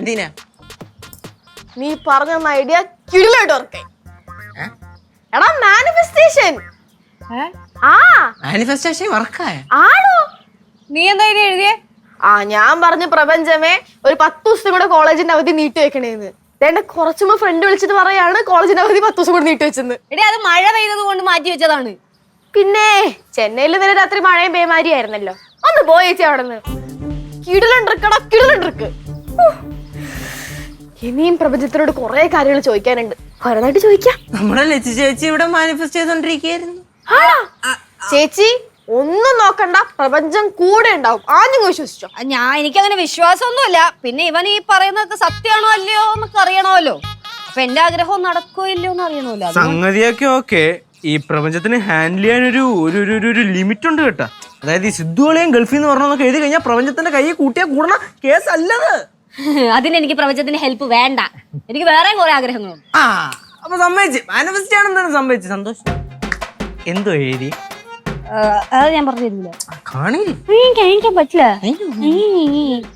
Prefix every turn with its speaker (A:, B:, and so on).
A: എന്തിനാ?
B: നീ പറഞ്ഞ ഐഡിയ കിടിലായിട്ട് വർക്കായി. എടാ മാനിഫെസ്റ്റേഷൻ.
A: മാനിഫെസ്റ്റേഷൻ വർക്കായ
B: ആണോ?
C: നീ എന്താ ഇത് എഴുതിയേ?
B: ഞാൻ പറഞ്ഞ പ്രപഞ്ചമേ ഒരു 10 ദിവസം കൂടെ കോളേജിന്റെ അവധി നീട്ടി വെക്കണേന്ന്. എന്റെ കുറച്ചുമ്പോ ഫ്രണ്ട് വിളിച്ചിട്ട് പറയാണ് കോളേജിന്റെ അവധി 10 ദിവസം കൂടെ നീട്ടി വെച്ചെന്ന്.
C: എടേ അത് മഴ പെയ്തത് കൊണ്ട് മാറ്റി വെച്ചതാണ്.
B: പിന്നെ ചെന്നൈയിൽ ഇന്നലെ രാത്രി മഴയും പേമാരിയായിരുന്നല്ലോ. ഒന്ന് പോയേച്ചി അവിടെ നിന്ന്. കിടിലണ്ടിരിക്കടാ കിടിലണ്ടിരിക്ക്. ഇനിയും പ്രപഞ്ചത്തിനോട് കുറെ കാര്യങ്ങൾ ചോദിക്കാനുണ്ട്. ഒരെണ്ണായിട്ട് ചോദിക്കാം.
A: നമ്മുടെ ലച്ചു ചേച്ചി ഇവിടെ മാനിഫെസ്റ്റ് ചെയ്തോണ്ടിരിക്കുകയായിരുന്നു.
B: ചേച്ചി ഒന്നും നോക്കണ്ട, പ്രപഞ്ചം കൂടെ ഉണ്ടാവും. ആദ്യം വിശ്വസിച്ചോ?
C: എനിക്കങ്ങനെ വിശ്വാസമൊന്നുമില്ല. പിന്നെ ഇവൻ ഈ പറയുന്നത് സത്യമാണോ അല്ലയോ എന്നൊക്കെ അറിയണമല്ലോ. അപ്പൊ എന്റെ ആഗ്രഹം നടക്കോ ഇല്ലയോ എന്ന് അറിയണമല്ലോ.
D: സംഗതിയൊക്കെ ഓക്കെ. ഈ പ്രപഞ്ചത്തിന് ഹാൻഡിൽ ചെയ്യാൻ ഒരു ലിമിറ്റ് ഉണ്ട് കേട്ടാ. അതായത് ഈ സിദ്ധുകളെയും ഗൾഫിൽ നിന്ന് പറഞ്ഞൊക്കെ എഴുതി കഴിഞ്ഞാൽ പ്രപഞ്ചത്തിന്റെ കൈ കൂട്ടിയാൽ കൂടണ കേസല്ലത്.
C: അതിന് എനിക്ക് പ്രപഞ്ചത്തിന്റെ ഹെൽപ്പ് വേണ്ട. എനിക്ക് വേറെ കുറെ ആഗ്രഹങ്ങളുണ്ട്.
A: അപ്പൊ സമ്മതിച്ച് മാനിഫെസ്റ്റ് ആണെന്താണ് സംഭവിച്ചു? സന്തോഷം. എന്തോ എഴുതി?
C: അത് ഞാൻ പറഞ്ഞു തരില്ല.
A: കാണില്ല.
C: കഴിക്കാൻ പറ്റില്ല.